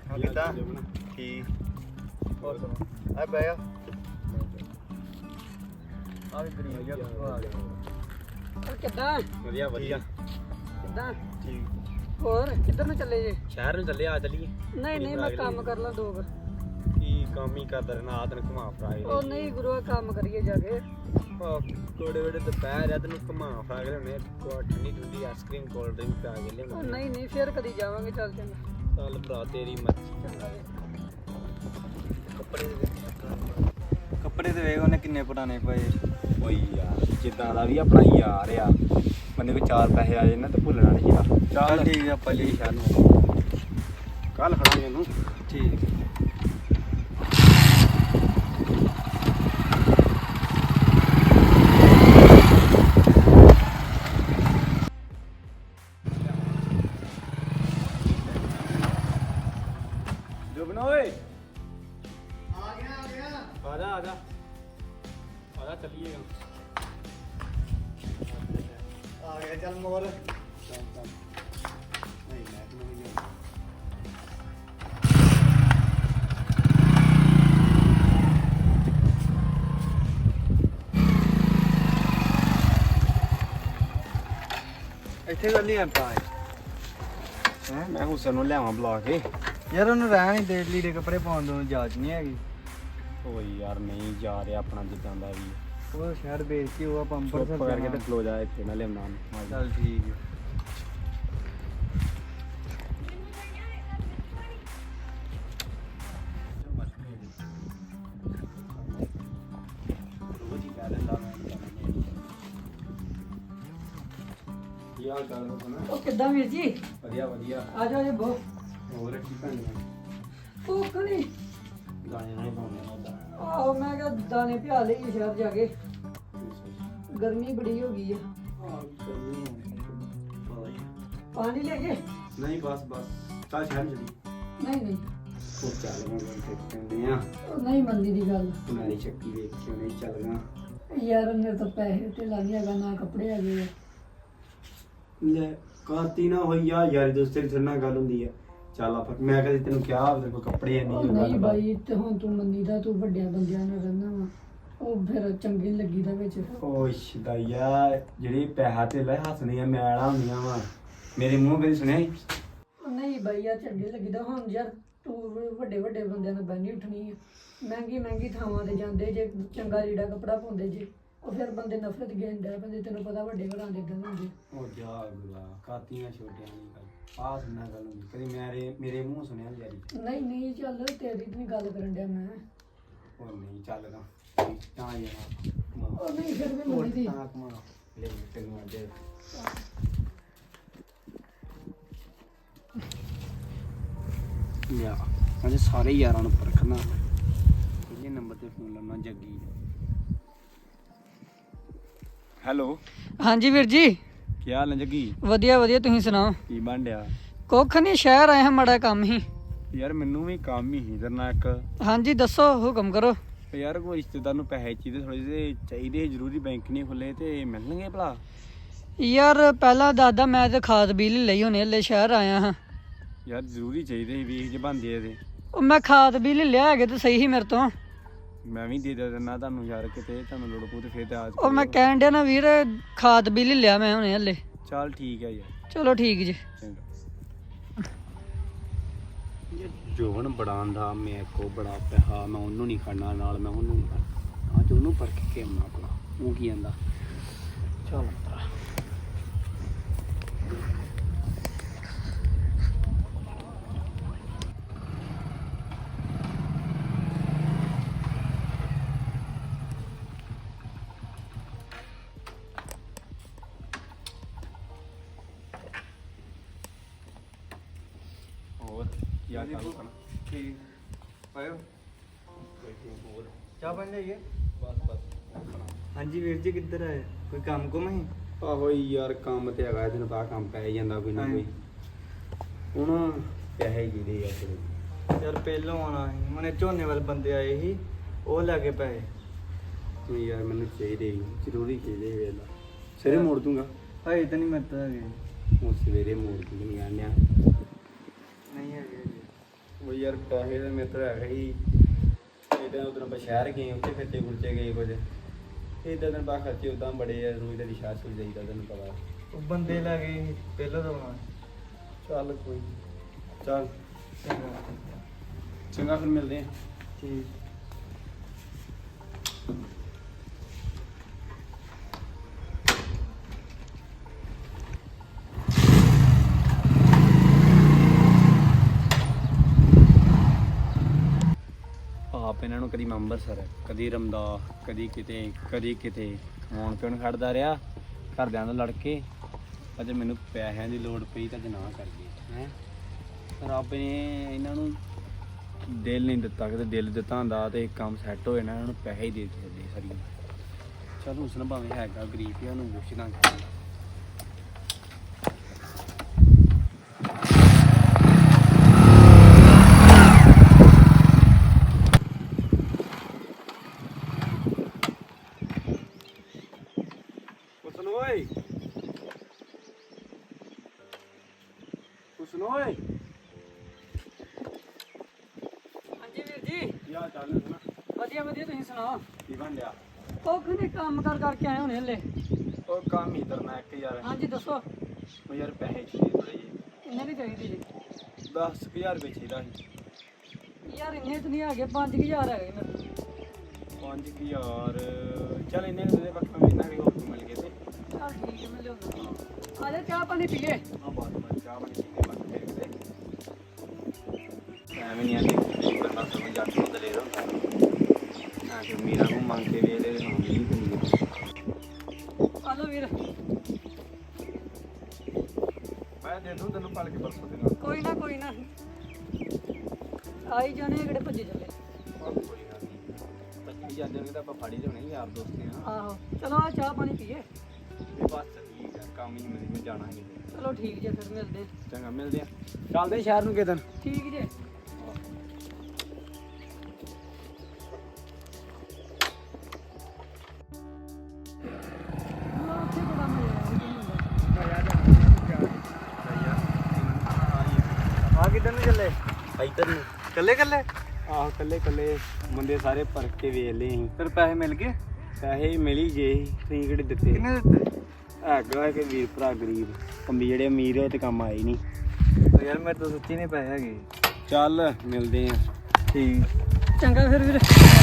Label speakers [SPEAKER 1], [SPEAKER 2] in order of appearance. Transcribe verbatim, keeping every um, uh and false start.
[SPEAKER 1] ਕਿੱਦਾਂ ਠੀਕ ਹੋਰ ਸੁਣੋ ਆ ਬਹਿ ਜਾ ਆ ਵੀ ਗਰੀਬ ਜਿਹਾ ਆ ਗਿਆ
[SPEAKER 2] ਕਿੱਦਾਂ
[SPEAKER 3] ਵਧੀਆ ਵਧੀਆ
[SPEAKER 2] ਕਿੱਦਾਂ
[SPEAKER 1] ਠੀਕ
[SPEAKER 2] ਹੋਰ ਕਿੱਧਰ ਨੂੰ ਚੱਲੇ ਜੇ
[SPEAKER 3] ਸ਼ਹਿਰ ਨੂੰ ਚੱਲੇ ਆ ਚੱਲੀਏ
[SPEAKER 2] ਨਹੀਂ ਨਹੀਂ ਮੈਂ ਕੰਮ ਕਰ ਲਾਂ ਦੋ ਕੁ।
[SPEAKER 3] ਕੀ ਕੰਮ ਹੀ ਕਰਦਾ ਰਹਿਣਾ ਆ ਤੈਨੂੰ ਘੁਮਾ ਫਰਾ ਕੇ
[SPEAKER 2] ਉਹ ਨਹੀਂ ਗੁਰੂ ਕੰਮ ਕਰੀਏ ਜਾ ਕੇ
[SPEAKER 3] ਕੋੜੇ ਵੇੜੇ ਦੁਪਹਿਰ ਆ ਤੈਨੂੰ ਘੁਮਾ ਫਰਾ ਕੇ ਲਿਆਉਣੇ ਕੋ ਠੰਡੀ ਠੰਡੀ ਆਈਸਕ੍ਰੀਮ ਕੋਲਡ ਡਰਿੰਕ ਪਾ ਕੇ
[SPEAKER 2] ਉਹ
[SPEAKER 3] ਲਿਆਉਣੇ
[SPEAKER 2] ਨਹੀਂ ਨਹੀਂ ਫਿਰ ਕਦੀ ਜਾਵਾਂਗੇ ਚੱਲ ਚੰਗਾ
[SPEAKER 3] ਚੱਲ ਭਰਾ ਤੇਰੀ ਮਰਜ਼ੀ
[SPEAKER 1] ਕੱਪੜੇ ਦੇ ਕੱਪੜੇ ਤੇ ਵੇਖ ਉਹਨੇ ਕਿੰਨੇ ਪੁਰਾਣੇ ਪਏ
[SPEAKER 3] ਓਏ ਯਾਰ ਜਿੱਦਾਂ ਦਾ ਵੀ ਆਪਣਾ ਯਾਰ ਆ ਬੰਦੇ ਕੋ ਚਾਰ ਪੈਸੇ ਆ ਜਾਣ ਨਾ ਤੇ ਭੁੱਲਣਾ ਨਹੀਂ ਯਾਰ
[SPEAKER 1] ਚੱਲ ਠੀਕ ਆ ਆਪਾਂ ਲਈ
[SPEAKER 3] ਸ਼ਹਿਰ ਨੂੰ ਕੱਲ ਖੜਾਂਗੇ ਇਹਨੂੰ
[SPEAKER 1] ਠੀਕ
[SPEAKER 3] ਜੁਬਨ ਓਏ
[SPEAKER 1] ਆ ਗਿਆ ਆ ਗਿਆ
[SPEAKER 3] ਆ ਜਾ ਆ ਜਾ ਆ ਜਾ ਚੱਲੀਏ
[SPEAKER 1] ਆ ਗਿਆ ਚੱਲ ਮੋਰ
[SPEAKER 3] ਚੱਲ ਚੱਲ ਨਹੀਂ ਮੈਂ ਤੈਨੂੰ ਨਹੀਂ ਜਾਣਾ
[SPEAKER 1] ਇੱਥੇ ਗੱਲ ਨਹੀਂ ਆਪਾਂ
[SPEAKER 3] ਹੈਂ ਮੈਂ ਹੁਸਨ ਨੂੰ ਲਿਆਵਾਂ ਬੁਲਾ ਕੇ
[SPEAKER 1] ਯਾਰ ਉਹਨੂੰ ਰਹਿਣ ਹੀ ਦੇ ਲੀੜੇ ਕੱਪੜੇ ਪਾਉਣ ਨੂੰ ਜਾਚ ਨਹੀਂ ਹੈਗੀ
[SPEAKER 3] ਓਏ ਯਾਰ ਨਹੀਂ ਜਾ ਰਿਹਾ ਆਪਣਾ ਜਿੱਦਾਂ ਦਾ ਵੀ
[SPEAKER 1] ਉਹ ਸ਼ਹਿਰ ਵੇਚ ਕੇ ਉਹ ਆਪਾਂ
[SPEAKER 3] ਚੁੱਪ
[SPEAKER 1] ਅੰਬਰਸਰ
[SPEAKER 3] ਕਰਕੇ
[SPEAKER 1] ਜਾਣਾ।
[SPEAKER 3] ਤੇ ਖਲੋ ਜਾ ਇੱਥੇ ਨਾ ਲਿਆਉਣਾ
[SPEAKER 1] ਚੱਲ ਠੀਕ ਹੈ
[SPEAKER 3] ਰੋਜ਼ ਹੀ ਕਹਿ ਦਿੰਦਾ ਮੈਂ ਕੀ ਹਾਲ ਚਾਲ ਹੋ ਸੁਣਾ
[SPEAKER 2] ਉਹ ਕਿੱਦਾਂ ਵੀਰ ਜੀ
[SPEAKER 3] ਵਧੀਆ ਵਧੀਆ
[SPEAKER 2] ਆ ਜਾਓ ਜੀ ਬੋ
[SPEAKER 3] ਹੋਰ ਕੀ ਕਰਨਾ
[SPEAKER 2] ਉਹ ਕਣੀ
[SPEAKER 3] ਗਾਣੇ ਨਹੀਂ ਪਾਉਂਦੇ ਨਾ ਉਦਾਂ
[SPEAKER 2] ਆਹੋ ਮੈਂ ਕਿਹਾ ਦਾਣੇ ਪਿਆ ਲਈ ਸ਼ਹਿਰ ਜਾ ਕੇ ਗਰਮੀ ਬੜੀ ਹੋ ਗਈ ਆ ਪਾਣੀ ਲੈ ਕੇ
[SPEAKER 3] ਨਹੀਂ ਬਸ ਬਸ ਚੱਲ ਸ਼ਹਿਰ ਚਲੀ
[SPEAKER 2] ਨਹੀਂ ਨਹੀਂ
[SPEAKER 3] ਉਹ ਚੱਲ ਮੈਂ ਤੇ ਕਹਿੰਦੇ ਆ
[SPEAKER 2] ਉਹ ਨਹੀਂ ਮੰਨਦੀ ਦੀ ਗੱਲ
[SPEAKER 3] ਮੇਰੀ ਸ਼ੱਕੀ ਵੇਖ ਕੇ ਨਹੀਂ ਚੱਲਣਾ
[SPEAKER 2] ਯਾਰ ਮੇਰੇ ਤਾਂ ਪੈਸੇ ਤੇ ਲੱਗ ਹੈਗਾ ਨਾ ਕੱਪੜੇ ਹੈਗੇ ਆ
[SPEAKER 3] ਲੈ ਕਾਤੀ ਨਾ ਹੋਈ ਆ ਯਾਰ ਦੋਸਤੇ ਦੀ ਨਾਲ ਗੱਲ ਹੁੰਦੀ ਆ ਚੱਲ ਆਪਾਂ ਮੈਂ ਕਦੇ ਤੈਨੂੰ ਕਿਹਾ ਤੇਰੇ ਕੋਲ ਕੱਪੜੇ
[SPEAKER 2] ਉਹ
[SPEAKER 3] ਨਹੀਂ
[SPEAKER 2] ਨਹੀਂ ਬਾਈ ਤੇ ਹੁਣ ਤੂੰ ਮੰਨੀਦਾ ਤੂੰ ਵੱਡਿਆਂ ਬੰਦਿਆਂ ਨਾਲ ਰਹਿਣਾ ਵਾ ਉਹ ਫਿਰ ਚੰਗੀ ਨੀ ਲੱਗੀਦਾ ਵਿੱਚ
[SPEAKER 3] ਓ ਸ਼ਦਾਇਆ ਜਿਹੜੀ ਪੈਸਾ ਤੇ ਲੈ ਹੱਸਣੀਆਂ ਮੈਲਾਂ ਹੁੰਦੀਆਂ ਵਾ ਮੇਰੇ ਮੂੰਹ ਕਦੀ ਸੁਣਿਆ ਸੀ?
[SPEAKER 2] ਉਹ ਨਹੀਂ ਬਾਈ ਯਾਰ ਚੰਗੀ ਲੱਗੀਦਾ ਹੁਣ ਯਾਰ ਤੂੰ ਵੱਡੇ ਵੱਡੇ ਬੰਦਿਆਂ ਨਾਲ ਬੈਣੀ ਉੱਠਣੀ ਆ ਮਹਿੰਗੀ ਮਹਿੰਗੀ ਥਾਵਾਂ ਤੇ ਜਾਂਦੇ ਜੇ ਚੰਗਾ ਲੀੜਾ ਕੱਪੜਾ ਪਾਉਂਦੇ ਜੇ ਉਹ ਫਿਰ ਬੰਦੇ ਨਫ਼ਰਤ ਗੇਂਦਾ ਬੰਦੇ ਤੈਨੂੰ ਪਤਾ ਵੱਡੇ ਘਰਾਂ ਦੇ ਗੱਲ ਹੁੰਦੇ
[SPEAKER 3] ਉਹ ਜਾ ਗੁਲਾ ਕਾਤੀਆਂ ਛੋਟਿਆਂ ਦੀ ਗੱਲ ਆਹ ਸੁਣਨਾ ਗੱਲ ਹੁੰਦੀ ਕਦੀ ਮੇਰੇ ਮੇਰੇ ਮੂੰਹ ਸੁਣਿਆ ਯਾਰੀ
[SPEAKER 2] ਨਹੀਂ ਨਹੀਂ ਚੱਲ ਤੇਰੀ ਤੇ ਨਹੀਂ ਗੱਲ ਕਰਨ ਡਿਆ ਮੈਂ
[SPEAKER 3] ਉਹ ਨਹੀਂ ਚੱਲਦਾ ਤਾਂ ਯਾਰ
[SPEAKER 2] ਉਹ ਨਹੀਂ ਫਿਰ ਵੀ ਮੰਨਦੀ
[SPEAKER 3] ਤਾਂ ਕਮਾ ਲੈ ਤੈਨੂੰ ਅੱਜ ਯਾ ਅੱਜ ਸਾਰੇ ਯਾਰਾਂ ਨੂੰ ਪਰਖਣਾ ਪਹਿਲੇ ਨੰਬਰ ਤੇ ਫੋਨ ਲਾਉਣਾ ਜੱਗੀ ਹੈਲੋ
[SPEAKER 2] ਹਾਂਜੀ ਵੀਰ ਜੀ
[SPEAKER 3] ਕੀ ਹਾਲ ਹੈ ਜੱਗੀ
[SPEAKER 2] ਵਧੀਆ ਵਧੀਆ ਤੁਸੀਂ ਸੁਣਾਓ
[SPEAKER 3] ਕੀ ਬਣ ਡਿਆ
[SPEAKER 2] ਕੁੱਖ ਨਹੀਂ ਸ਼ਹਿਰ ਆਏ ਹਾਂ ਮਾੜਾ ਕੰਮ ਹੀ
[SPEAKER 3] ਯਾਰ ਮੈਨੂੰ ਵੀ ਕੰਮ ਹੀ ਸੀ ਤੇਰੇ ਨਾਲ ਇੱਕ
[SPEAKER 2] ਹਾਂਜੀ ਦੱਸੋ ਹੁਕਮ ਕਰੋ
[SPEAKER 3] ਯਾਰ ਕੋਈ ਰਿਸ਼ਤੇਦਾਰ ਨੂੰ ਪੈਸੇ ਚਾਹੀਦੇ ਥੋੜੇ ਜਿਹੇ ਚਾਹੀਦੇ ਜ਼ਰੂਰੀ ਬੈਂਕ ਨਹੀਂ ਖੁੱਲੇ ਤੇ ਮਿਲਣਗੇ ਭਲਾ
[SPEAKER 2] ਯਾਰ ਪਹਿਲਾਂ ਦਾਦਾ ਮੈਂ ਤੇ ਖਾਦ ਬਿੱਲ ਲਈ ਹੋਣੇ ਹਲੇ ਸ਼ਹਿਰ ਆਇਆ ਹਾਂ
[SPEAKER 3] ਯਾਰ ਜ਼ਰੂਰੀ ਚਾਹੀਦੇ ਸੀ ਵੀਹ ਜੇ ਬੰਦੇ ਇਹਦੇ
[SPEAKER 2] ਉਹ ਮੈਂ ਖਾਦ ਬਿੱਲ ਲਿਆ ਹੈਗੇ ਤੇ ਸਹੀ ਸੀ ਮੇਰੇ ਤੋਂ
[SPEAKER 3] ਮੈਂ ਵੀ ਦੇ ਦਿੰਦਾ ਤੁਹਾਨੂੰ ਯਾਰ ਕਿਤੇ ਤੁਹਾਨੂੰ ਲੋੜ ਪਊ ਤੇ ਫਿਰ ਤੇ ਆਜ
[SPEAKER 2] ਉਹ ਮੈਂ ਕਹਿਣ ਡਿਆ ਨਾ ਵੀਰ ਖਾਦ ਬਿੱਲ ਲਿਆ ਮੈਂ ਹੁਣੇ ਹਲੇ
[SPEAKER 3] ਚੱਲ ਠੀਕ ਹੈ ਯਾਰ
[SPEAKER 2] ਚਲੋ ਠੀਕ ਜੀ
[SPEAKER 3] ਚੰਗਾ ਜੋਵਨ ਬੜਾ ਦਾ ਮੇਰੇ ਕੋ ਬੜਾ ਪੈਸਾ ਮੈਂ ਉਹਨੂੰ ਨਹੀਂ ਖੜਨਾ ਨਾਲ ਮੈਂ ਉਹਨੂੰ ਨਹੀਂ ਖੜਨਾ ਅੱਜ ਉਹਨੂੰ ਪਰਖ ਕੇ ਆਉਣਾ ਆਪਣਾ ਉਹ ਕੀ ਕਹਿੰਦਾ ਚੱਲ ਹੋਰ ਯਾਰ ਚੱਲ ਕਣਾ
[SPEAKER 1] ਠੀਕ ਪਾਇਓ
[SPEAKER 3] ਹੋਰ
[SPEAKER 1] ਚਾਹ ਬਣ ਜਾਈਏ
[SPEAKER 3] ਬਸ ਬਸ
[SPEAKER 1] ਹਾਂਜੀ ਵੀਰ ਜੀ ਕਿੱਧਰ ਆਏ ਕੋਈ ਕੰਮ ਕੁਮ ਹੈ
[SPEAKER 3] ਆਹੋ ਯਾਰ ਕੰਮ ਤੇ ਹੈਗਾ ਤੈਨੂੰ ਪਤਾ ਕੰਮ ਪੈ ਜਾਂਦਾ ਕੋਈ ਨਾ
[SPEAKER 1] ਹਾਂਜੀ।
[SPEAKER 3] ਕੋਈ ਹੁਣ ਪੈਸੇ ਜਿਹੜੇ ਆ ਤੇਰੇ
[SPEAKER 1] ਯਾਰ ਪਹਿਲੋਂ ਆਉਣਾ ਸੀ ਮਨੇ ਝੋਨੇ ਵਾਲੇ ਬੰਦੇ ਆਏ ਸੀ ਉਹ ਲੈ ਕੇ ਪਏ
[SPEAKER 3] ਤੂੰ ਯਾਰ ਮੈਨੂੰ ਚਾਹੀਦੇ ਸੀ ਜ਼ਰੂਰੀ ਚਾਹੀਦੇ ਵੇਲਾ ਸਵੇਰੇ ਮੋੜ ਦੂੰਗਾ
[SPEAKER 1] ਹਾਏ ਤਾਂ ਨਹੀਂ ਮਰਦਾ ਹੈਗੇ
[SPEAKER 3] ਉਹ ਸਵੇਰੇ ਮੋੜ ਦੂੰਗਾ ਨਹੀਂ ਆਣਿਆ
[SPEAKER 1] ਨਹੀਂ ਹੈਗੇ ਜੀ।
[SPEAKER 3] ਉਹ ਯਾਰ ਪੈਸੇ ਤਾਂ ਮੇਰੇ ਤੋਂ ਹੈਗੇ ਹੀ ਇਦਾਂ ਉਧਰ ਆਪਾਂ ਸ਼ਹਿਰ ਗਏ ਉੱਥੇ ਖਰਚੇ ਖੁਰਚੇ ਗਏ ਕੁਝ ਇਦਾਂ ਦਿਨ ਬਾਅਦ ਖਰਚੇ ਉਦਾਂ ਬੜੇ ਆ ਰੋਜ਼ ਦੀ ਸ਼ਹਿਰ ਸੁਈ ਜਾਈਦਾ ਤੈਨੂੰ ਪਤਾ
[SPEAKER 1] ਉਹ ਬੰਦੇ ਲੈ ਗਏ ਸੀ ਪਹਿਲਾਂ ਤਾਂ ਆਉਣਾ।
[SPEAKER 3] ਚੱਲ ਕੋਈ ਨੀ। ਚੱਲ
[SPEAKER 1] ਚੰਗਾ
[SPEAKER 3] ਚੰਗਾ ਫਿਰ ਮਿਲਦੇ ਆ
[SPEAKER 1] ਠੀਕ।
[SPEAKER 3] ਆਪ ਇਹਨਾਂ ਨੂੰ ਕਦੀ ਮੈਂ ਅੰਮ੍ਰਿਤਸਰ ਕਦੀ ਰਮਦਾਸ ਕਦੀ ਕਿਤੇ ਕਦੀ ਕਿਤੇ ਖਾਣ ਪੀਣ ਖੜਦਾ ਰਿਹਾ ਘਰਦਿਆਂ ਨਾਲ ਲੜ ਕੇ ਅਜੇ ਮੈਨੂੰ ਪੈਸਿਆਂ ਦੀ ਲੋੜ ਪਈ ਤਾਂ ਜਨਾ ਕਰ ਗਏ ਹੈ ਰੱਬ ਨੇ ਇਹਨਾਂ ਨੂੰ ਦਿਲ ਨਹੀਂ ਦਿੱਤਾ ਕਿਤੇ ਦਿਲ ਦਿੱਤਾ ਹੁੰਦਾ ਤੇ ਕੰਮ ਸੈੱਟ ਹੋ ਜਾਣਾ ਇਹਨਾਂ ਨੂੰ ਪੈਸੇ ਹੀ ਦੇ ਦਿੱਤੇ ਸਾਰੀਆਂ ਚਲ ਉਸ ਨੂੰ ਭਾਵੇਂ ਹੈਗਾ ਗਰੀਬ ਹੀ ਉਹਨੂੰ ਪੁੱਛਣਾ ਚਾਹੀਦਾ ਓਏ ਕੁਛ ਨੋਏ
[SPEAKER 2] ਹਾਂਜੀ ਵੀਰ ਜੀ
[SPEAKER 3] ਯਾ ਚੱਲ ਨਾ
[SPEAKER 2] ਵਧੀਆ ਵਧੀਆ ਤੁਸੀਂ ਸੁਣਾਓ
[SPEAKER 3] ਕੀ ਬਣ ਲਿਆ
[SPEAKER 2] ਉਹ ਕਿਹਨੇ ਕੰਮ ਕਰ ਕਰਕੇ ਆਏ ਹੋਣੇ ਹਲੇ
[SPEAKER 3] ਉਹ ਕੰਮ ਹੀ ਕਰਨਾ ਇੱਕ ਯਾਰ
[SPEAKER 2] ਹਾਂਜੀ ਦੱਸੋ
[SPEAKER 3] ਉਹ ਯਾਰ ਪੈਸੇ ਚਾਹੀਦੇ ਥੋੜੇ ਜਿਹੇ
[SPEAKER 2] ਕਿੰਨੇ ਦੀ ਚਾਹੀਦੀ ਜੀ
[SPEAKER 3] ਦਸ ਕੁ ਹਜ਼ਾਰ ਰੁਪਏ ਚਾਹੀਦਾ ਸੀ
[SPEAKER 2] ਯਾਰ ਇੰਨੇ ਤਾਂ ਨਹੀਂ ਹੈਗੇ ਪੰਜ ਕੁ ਹਜ਼ਾਰ ਹੈਗੇ ਮੇਰੇ
[SPEAKER 3] ਪੰਜ ਕੁ ਹਜ਼ਾਰ ਚੱਲ ਇੰਨੇ ਕੁ ਦੇ ਬਾਕੀ ਮੈਂ ਇੰਨਾ ਵੀ ਹੋਰ ਮਿਲ ਗਏ ਤੇ
[SPEAKER 2] ਚੱਲ ਠੀਕ ਹੈ ਮੈਂ ਲਿਆਉਂਦਾ ਆ ਜਾ ਚਾਹ ਪਾਣੀ ਪੀਏ
[SPEAKER 3] ਆ ਬਾਤ ਬਾਤ ਚਾਹ ਬਣੀ ਪੀਂਦੇ ਬਾਕੀ ਫਿਰ ਕਿਤੇ ਐਵੇਂ ਨਹੀਂ ਆਂਦੀ ਕਿ ਬੰਦਾ ਸਮਝ ਜਾ ਕੇ ਦਲੇਰ ਹੁੰਦਾ ਨਾ ਕਿ ਮੀਰਾ ਨੂੰ ਮੰਗ ਕੇ ਵੇਲੇ ਦੇ ਹੋਣੀ ਨਹੀਂ ਕਰੀ
[SPEAKER 2] ਆ ਲਓ ਵੀਰ
[SPEAKER 3] ਮੈਂ ਦੇ ਦੂੰ ਤੈਨੂੰ ਪਲ ਕੇ ਪਰਸੋਂ ਦੇ ਨਾਲ
[SPEAKER 2] ਕੋਈ ਨਾ ਕੋਈ ਨਾ ਆਈ ਜਾਣੇ ਕਿਹੜੇ ਭੱਜੇ ਚੱਲੇ
[SPEAKER 3] ਕੋਈ ਗੱਲ ਨਹੀਂ ਪੱਚੀ ਜਾਂਦੇ ਨੇ ਤਾਂ ਆਪਾਂ ਫਾੜੀ ਲਿਆਉਣੇ ਯਾਰ ਦੋਸਤੇ ਆ
[SPEAKER 2] ਆਹੋ ਚਲੋ ਆ ਚਾਹ ਪਾਣੀ ਪੀਏ
[SPEAKER 3] ਤੇ ਬਸ ਠੀਕ ਆ ਕੰਮ ਹੀ ਮਿਲ ਮੈਂ ਜਾਣਾ ਹੈ
[SPEAKER 2] ਚਲੋ ਠੀਕ ਜੇ ਫਿਰ ਮਿਲਦੇ
[SPEAKER 3] ਚੰਗਾ ਮਿਲਦੇ ਆ ਚੱਲਦੇ ਸ਼ਹਿਰ ਨੂੰ ਕਿਦਨ
[SPEAKER 2] ਠੀਕ ਜੇ ਉੱਥੇ ਬੜਾ
[SPEAKER 1] ਆ ਕਿੱਧਰ ਨੂੰ ਚੱਲੇ?
[SPEAKER 3] ਇੱਧਰ ਨੂੰ
[SPEAKER 1] ਕੱਲੇ ਕੱਲੇ?
[SPEAKER 3] ਆਹੋ ਕੱਲੇ ਕੱਲੇ ਬੰਦੇ ਸਾਰੇ ਭਰ ਕੇ ਵੇਖ ਲਏ ਅਸੀਂ
[SPEAKER 1] ਫਿਰ ਪੈਸੇ ਮਿਲ ਗਏ?
[SPEAKER 3] ਪੈਸੇ ਮਿਲ ਹੀ ਗਏ ਸੀ ਤੁਸੀਂ ਕਿਹੜੇ ਦਿੱਤੇ
[SPEAKER 1] ਕਿੰਨੇ ਦਿੱਤੇ?
[SPEAKER 3] ਹੈਗਾ ਕਿ ਵੀਰ ਭਰਾ ਗਰੀਬ ਕੰਬੀ ਜਿਹੜੇ ਅਮੀਰ ਉਹ ਤੇ ਕੰਮ ਆਏ ਨਹੀਂ
[SPEAKER 1] ਉਹ ਯਾਰ ਮੇਰੇ ਤੋਂ ਸੱਚੀ ਨਹੀਂ ਪੈਸੇ ਹੈਗੇ।
[SPEAKER 3] ਚੱਲ ਮਿਲਦੇ ਆ
[SPEAKER 2] ਠੀਕ ਚੰਗਾ ਫਿਰ ਵੀਰ